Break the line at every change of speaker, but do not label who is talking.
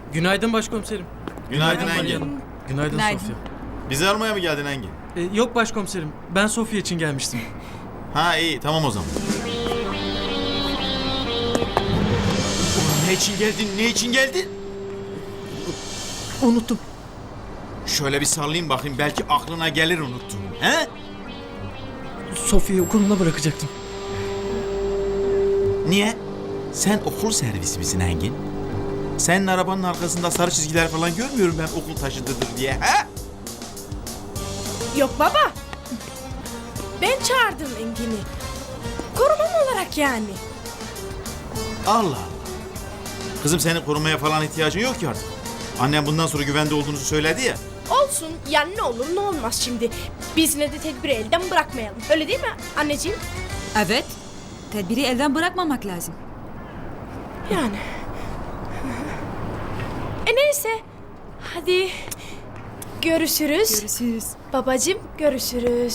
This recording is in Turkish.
Günaydın başkomiserim.
Günaydın
Günaydın
Engin.
Hanım. Günaydın,
Günaydın.
Sofya.
Bizi aramaya mı geldin Engin?
Yok başkomiserim. Ben Sofya için gelmiştim.
Ha iyi tamam o zaman. Ne için geldin? Ne için geldin?
Unuttum.
Şöyle bir sallayayım bakayım belki aklına gelir unuttum. He?
Sofya'yı okuluna bırakacaktım.
Niye? Sen okul servisi misin Engin? Senin arabanın arkasında sarı çizgiler falan görmüyorum ben okul taşıdıdır diye. He?
Yok baba. Ben çağırdım Engin'i. Korumam olarak yani.
Allah Allah. Kızım senin korumaya falan ihtiyacın yok ki artık. Annem bundan sonra güvende olduğunuzu söyledi ya.
Olsun yani ne olur ne olmaz şimdi. Biz yine de tedbiri elden bırakmayalım. Öyle değil mi anneciğim?
Evet. Tedbiri elden bırakmamak lazım.
Yani. Neyse. Hadi. Görüşürüz.
Görüşürüz.
Babacığım görüşürüz.